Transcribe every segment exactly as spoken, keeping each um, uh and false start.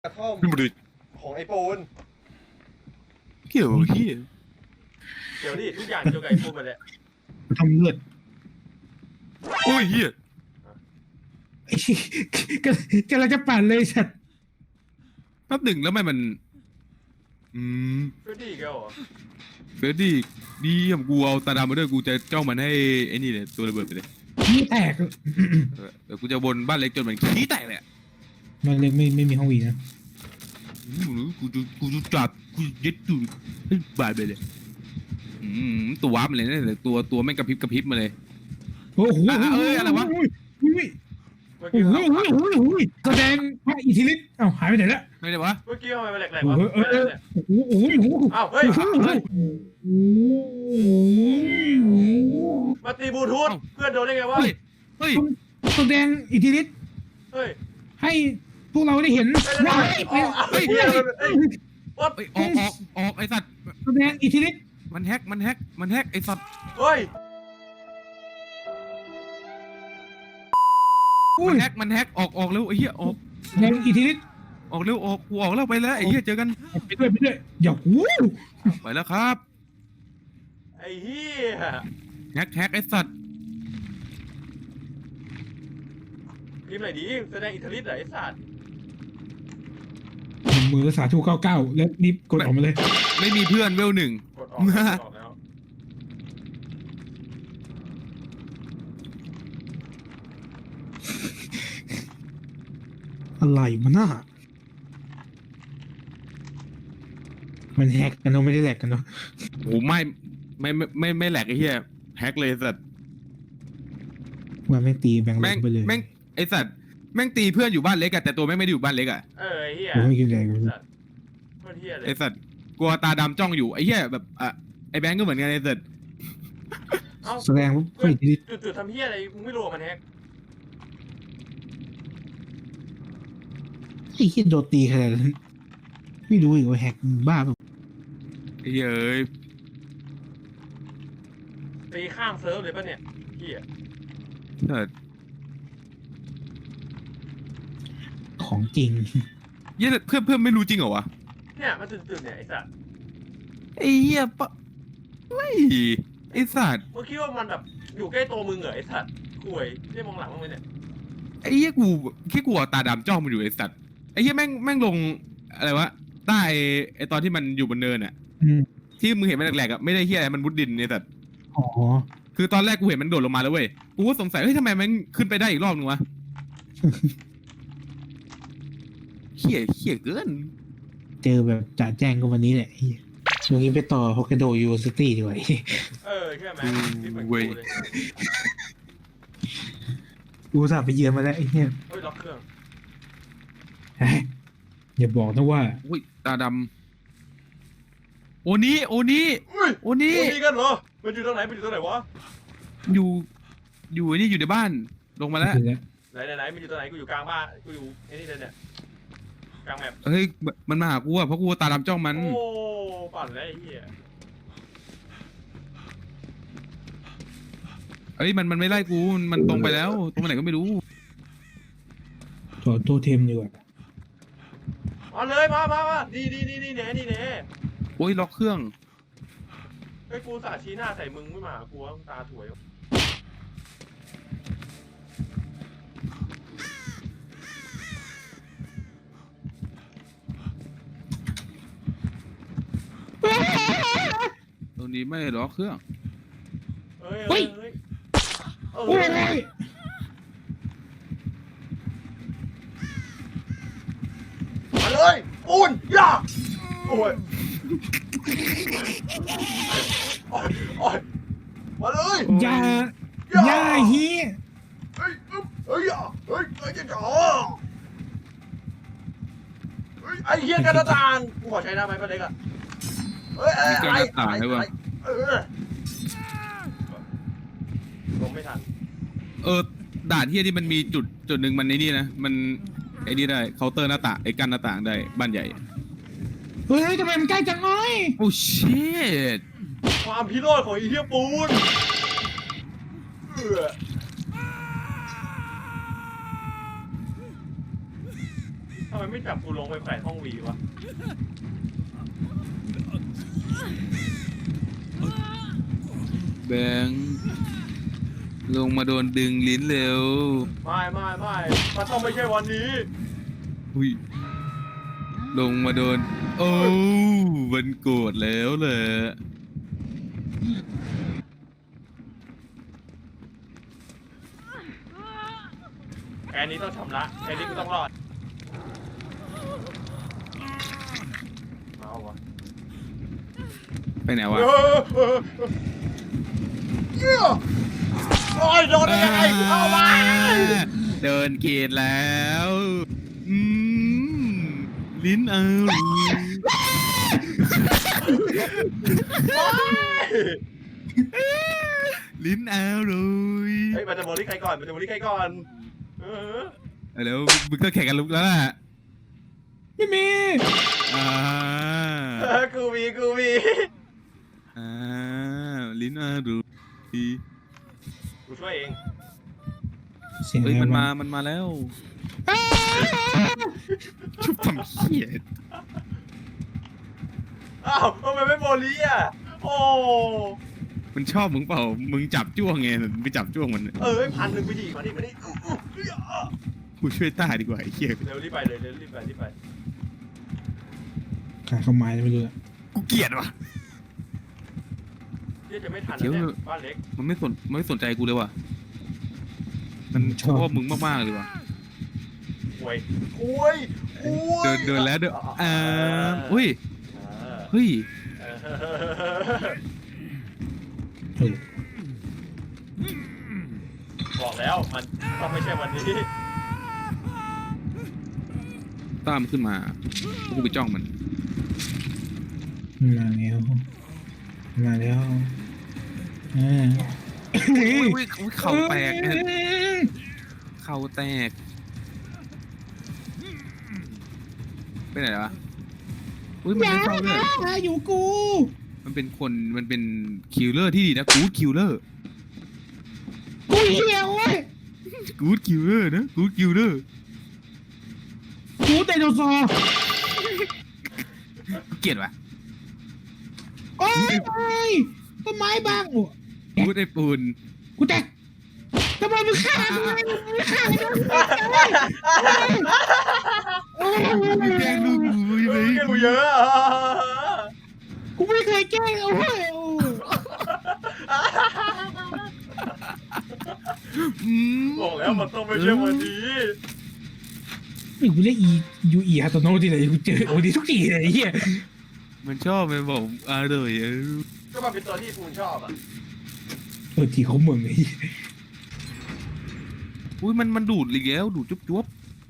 กระท่อมนี่มันดูของไอ้ปูนเกี่ยวเฮียเดี๋ยวดิทุกอย่างเกี่ยวกับไอ้ปูนหมดเลยทำเลือดโอ้ยเฮียไอ้กกำลังจะปั่นเลยสัตว์แป๊บหนึ่งแล้วไม่มัน อืมเฟรดดี้อีกแล้วเหรอเฟรดดี้ดีผมกูเอาตาดำมาด้วยกูจะจ้องมันให้ไอ้นี่เลยตัวระเบิดไปเลยขี้แตกเออเดี๋ยวกูจะบนบ้านเล็กจนมันขี้แตกเลยอะมันเลยไม่ไม่มีห้องวีนะอืมกูจะกูจะจับกูยึดตูให้บาดไปเลยอืมตัววาร์ปมาเลยนะแต่ตัวตัวแม่งกระพริบกระพริบมาเลยโอ้โหอ่ะเอ้ยอะไรวะโอ้ยโอ้ยเมื่อโอ้กี้โหโอ้โหโอ้โหโอ้โหแสดงพระอิทธิฤทธิ์เอ้าหายไปไหนละไม่ได้วะเมื่อกี้ทำไมมันแหลกโอ้ๆวะโหเออเออโอ้โหโอ้โหโอ้โหอ้าวเฮ้ยโอ้โหโอ้โหมาตีบลูทูธเพื่อนโดนได้ไงวะเฮ้ยเฮ้ยแสดงอิทธิฤทธิ์เฮ้ยให้พวกเราได้เห็นว้ายเฮ้ยเฮ้ยเฮ้ยวัดเฮ้ยออกออกออกไอสัตว์แสดงอิทธิฤทธิ์มันแฮกมันแฮกมันแฮกไอสัตว์เฮ้ยอุ้มันยแฮกมันแฮกออกออกเร็วไอ้เหี้ยออกแสดงอิทธิฤทธิ์ออกเร็วออกกูออกแล้วไปแล้วไอ้เหี้ยเจอกันไปด้วยไปด้วยอย่าหูไปแล้วครับไอ้เหี้ยแฮกแฮกไอสัตว์พิมพ์ไหนดีแสดงอิทธิฤทธิ์เหรอไอ้สัตว์มือสาธุเก้าเก้าแล้วรีบกดออกมาเลยไม่มีเพื่อนเวลหนึ่งกดออกกดออกแล้วอะไรมันน่ะมันแฮกกันเนาะไม่ได้แหลกกันเนาะโอ้ไม่ไม่ไม่ไม่ไม่แหลกไอ้เหี้ยแฮกเลยไอ้สัตว์ว่าแม่งตีแบงค์ลแม่งงไปเลยแม่งไอสัตว์แม่งตีเพื่อนอยู่บ้านเล็กอะแต่ตัวแม่งไม่ได้อยู่บ้านเล็กอะเออไอ้เหี้ยโอ้ยไม่กินแรงสัตว์โคตรเหี้ยเลไอย สัตว์กลัวตาดำจ้องอยู่ไอ้เหี้ยแบบอ่ะไอแบงก์ก็เหมือนกันไอสัตว์เอ้าแสดงว่าเฮ้ยดิจุดๆทำเหี้ยอะไรมึงไม่รู้ว่ามันแฮกไอ้เหี้ยโดนตีขนาดนั้นไม่รู้อีกว่าแฮกบ้าแบบไอ้เหี้ยเอ้ยตีข้างเซิร์ฟเลยป่ะเนี่ยเหี้ยสัตว์ของจริงเหี้ยเพื่อนเพื่อนไม่รู้จริงเหรอวะเนี่ยมันจุดๆเนี่ยไอ้สัตว์ไอ้เหี้ยปะไม่ไอสัตว์มึงคิดว่ามันแบบอยู่ใกล้ตัวมึงเหรอไอ้สัตว์ห่วยได้มองหลังมึงไหมเนี่ยไอ้เหี้ยกูแค่กลัวตาดำจ้องมันอยู่ไอสัตว์ไอ้เหี้ยแม่งแม่งลงอะไรวะใต้ไอตอนที่มันอยู่บนเนินอะอืมที่มึงเห็นมันแหลกๆอะไม่ได้เหี้ยอะไรมันมุดดินไอสัตว์อ๋อคือตอนแรกกูเห็นมันโดดลงมาแล้วเว้ยกูก็สงสัยเฮ้ยทำไมมันขึ้นไปได้อีกรอบนึงวะ เหี้ยเหี้ยเกินเจอแบบจ่าแจ้งก็วันนี้แหละไอ้เหี้ยช่วงนี้ไปต่อฮอกไกโดยูนิเวอร์ซิตี้ดีกว่าไอ้เหี้ยเออใช่ไหมที่เหมือนกูเลยกูอุตสาห์ไปเยือนมาแล้วไอ้เหี้ยเฮ้ยล็อกเครื่องเฮ้ยอย่าบอกนะว่าอุ้ยตาดำโอนี้โอนี้อุ้ยโอนี้โอ้นี่กันเหรอมันอยู่ตรงไหนมันอยู่ตรงไหนวะอยู่ อยู่ไอ้นี่อยู่ในบ้าน ลงมาแล้วเดี๋ยวนะไหนไหนไหนมันอยู่ตรงไหนกูอยู่กลางบ้านกูอยู่ไอ้นี่เลยเนี่ยกลางแมปเฮ้ย มันมาหากูอะเพราะกูตาดำจ้องมันโอ้ปั่นแล้วไอ้เหี้ยเอ้ย มันมันไม่ไล่กู มันมันตรงไปแล้ว ตรงไปไหนก็ไม่รู้ถอดโทเทมดีกว่ามาเลยมามามาดีดีดีดีเน่ดีเน่โอ้ย ล็อกเครื่องไอ้กูสาชี้หน้าใส่มึงไม่มาหากูว่ามึงตาถวยตรงนี้ไม่ล็อกเครื่องเฮ้ยเฮ้ยเฮ้ยเอโอ้อย มาเลยปูนย่าโอ้ยโอ้ยโอ้ยมาเลยอย่าอย่าเฮียเฮ้ยอึ๊บเฮ้ยอ่ะเฮ้ยเฮ้ยจะจ่อเฮ้ยไอ้เหี้ยกันตานกูขอใช้ได้ไหมป้าเล็กอ่ะเฮ้ยมีกระต่ายด้วยวะเออลงไม่ทันเออ ด่านเฮียที่มันมีจุดจุดหนึ่งมันในนี่นะ มันไอ้นี่ได้ เคาน์เตอร์หน้าต่าง ไอ้กั้นหน้าต่างได้ บ้านใหญ่เฮ้ยทำไมมันใกล้จังน้อยโอ้ชิตความพิโรธของไอ้เหี้ยปูนเออทำไมมไม่จับกูลงไปแขวนห้องวีวะแบงค์ลงมาโดนดึงลิ้นเร็วไม่ไม่ไม่มันต้องไม่ใช่วันนี้อุ้ยลงมาโดน โอ้มันโกรธแล้วแหละแค่นี้ต้องชำระแค่นี้กูต้องรอดเมาวะไปไหนวะเออเออเออเหี้ยโอ้ยโดนได้ยังไงเข้ามาเดินเกตแล้วอืมลิ้นเอา ลิ้นเอาเลยเฮ้ยมันจะโมลิใครก่อนมันจะโมลิใครก่อนเออเอาแล้วมึงก็แข่งกันลุกแล้วล่ะไม่มีอ่าเออกูมีกูมีอ่าลิ้นเอาเลยกูช่วยเองเสียงเฮ้ยอะไรมันวะมามันมาแล้วชุบทำเหี้ยอ้าวทำไมไม่โมลิอ่ะโอ้มันชอบมึงเปล่ามึงจับจ้วงไงไปจับจ้วงมันเออพันหนึ่งไปดิมาดิมาดิอู้อู้เฮ้ยอ่ะกูช่วยต้าดีกว่าไอ้เหี้ยเร็วรีบไปเลยเร็วรีบไปรีบไปขาเข้าไม้ไม่รู้อะกูเกลียดว่ะเดี๋ยวจะไม่ทันเดี๋ยวนะเนี่ยบ้านเล็กมันไม่สนมันไม่สนใจกูเลยว่ะมันชอบมึงมากๆเลยว่ะโอ้ยโอ้ยโอ้ยเดินเดินแล้วเดินอ่าอุ้ยเฮ้ยเออเออบอกแล้วมันต้องไม่ใช่วันนี้ตามขึ้นมากูไปจ้องมันมาแล้วมาแล้วอ่าอุ้ยอุ้ยอุ้ยเข่าแตกเนี่ยเข่าแตกไปไหนวะอุ้ยมันไม่เข้าเลยอย่าอยู่กูมันเป็นคนมันเป็นคิลเลอร์ที่ดีนะกู๊ดคิลเลอร์กูเหี้ยเว้ยกู๊ดคิลเลอร์นะกู๊ดคิลเลอร์กูไดโนเสาร์เกลียดว่ะโอ้ยโอ้ยต้นไม้บังโอ้กู๊ดไอ้ปูนกูแตกทำไมมึงฆ่าทำไมมึงฆ่าโอ้ยมึงแกล้งลูกกูใช่ไหมเกกูเยอะอ่ะกูไม่เคยแกล้งโอ้ยโอ้ยอืมบอกแล้วมันต้องไม่ใช่วันนี้นี่กูเรียกอียูอีฮาโตโนะที่ไหนกูเจอโอ้ดีทุกทีเลยไอ้เหี้ยมันชอบมันบอกอร่อยเออก็มันเป็นตัวที่ปูนชอบอ่ะเออทีเขาเมืองไอ้เหี้ยอุ้ยมันมันดูดเลยแล้วดูดจุ๊บจุ๊บ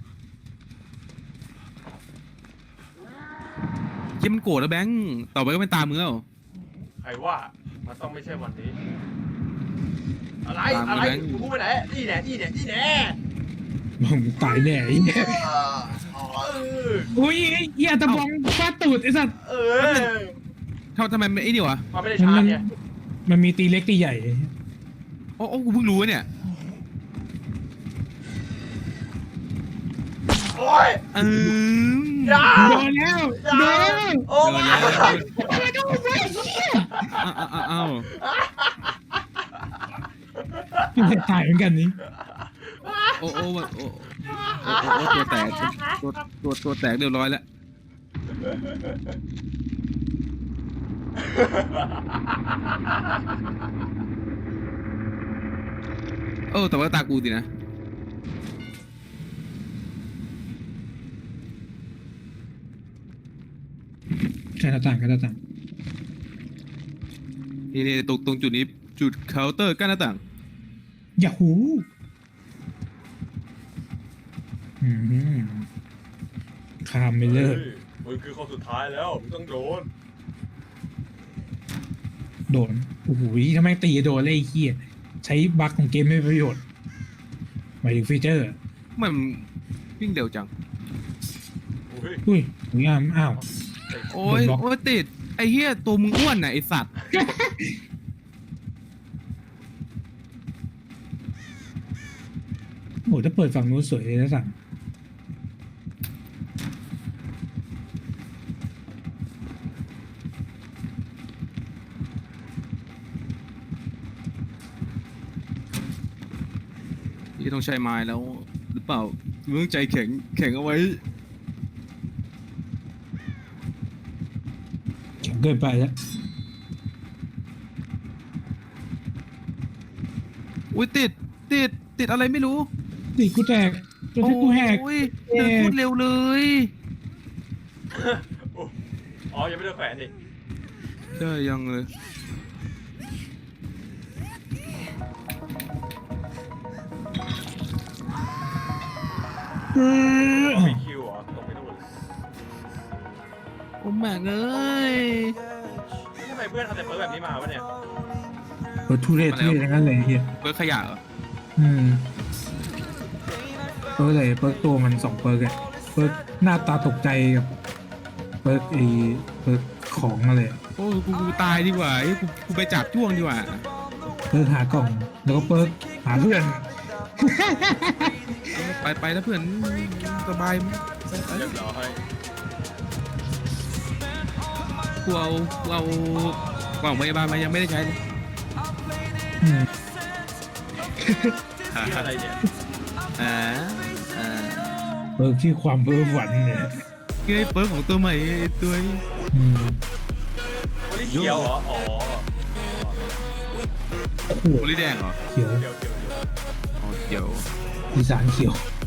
เจ้มันโกรธแล้วแบงค์ต่อไปก็เป็นตามมึงแล้วใครว่ามันต้องไม่ใช่วันนี้ อะไรตามอะไรแบงค์กูพูดไปไหนนี่แน่นี่แน่นี่แน่มึงตายแน่ไอ้เหี้ยเอออุ้ยไอ้เหี้ยตะบองฟาดตูดไอ้สัตว์เออเท่าทำไมมันไอ้นี่วะมันไม่ได้มันชามัร์นจเนี่ยมันมีตีเล็กตีใหญ่โอ้โอ้กูเพิ่งรู้เนี่ยโอ้ยอืมอย่าโดนแล้วโดนแล้วโอ้โดนมาแล้วไม่ต้องไปเหี้ยอ้าวอ้าวอ้าวมันตายเหมือนกันนี่โอ้โอ้โอ้โอ้โอ้โอ้ตัวแตกตัวตัวตัวแตกเรียบร้อยแล้วเออแต่ว่าตากูสินะใช่หน้าต่างกันหน้าต่างนี่นี่ตรงตรงจุดนี้จุดเคาน์เตอร์กั้นหน้าต่างอย่าหูอืมคามไม่เลิกมึงคือคนสุดท้ายแล้วมึงต้องโดนโดนโอ้โหทำไมตีโดนเลยไอ้เหี้ยใช้บั๊กของเกมไม่เป็นประโยชน์หมายถึงฟีเจอร์มันวิ่งเร็วจังอุ้ยอุ้ยหนูยามอ้าวโอ้ยบล็อกโอ้ยติดไอ้เหี้ยตัวมึงอ้วนน่ะไอ้สัตว์โอ้โหถ้าเปิดฝั่งนู้นสวยเลยนะสั่งพี่ต้องใช้ไม้แล้ว หรือเปล่าพี่ต้องใจแข็งแข็งเอาไว้แข็งเกินไปแล้วอุ้ยติดติดติดอะไรไม่รู้ตีกูแตกจนที่กูแหกโอ้ยเดินพูดเร็วเลยอ๋อ ยังไม่ได้แขวนดิใช่ยังเลยเออมีคิวเหรอตกไปนู่นโอ้แม่งเอ้ยทำไมเพื่อนทำแต่เปิร์แบบนี้มาวะเนี่ยเออทุเรศทุเรศอย่างนั้นเลยไอ้เฮียเปิดขยะเหรออืมเปิร์กอะไรเปิร์กตัวมันสองเปิร์กอะเปิร์กหน้าตาตกใจกับเปิร์กไอเปิร์กของอะไรอะโอ้กูกูตายดีกว่าเอ้ยกูกูไปจับจ้วงดีกว่าเปิร์กหากล่อง แล้วก็เปิร์กหาเพื่อนไปไปแล้วเพื่อนสบายไปไปเรียบร้อยกูเอากูเอากล่องพยาบาลมายังไม่ได้ใช้เลยอืมนี่อะไรเนี่ยอ่าอ่าเปิร์กที่ความเพ้อฝันเนี่ยเกยเปิร์ของตัวใหม่ไอ้ตัวนี้อืมโอลิเขียวเหรอ อ๋อโอ้โหโอลิแดงเหรอเขียวเขียวเขียวเขียวอ๋อเดี๋ยวอีสานเขียว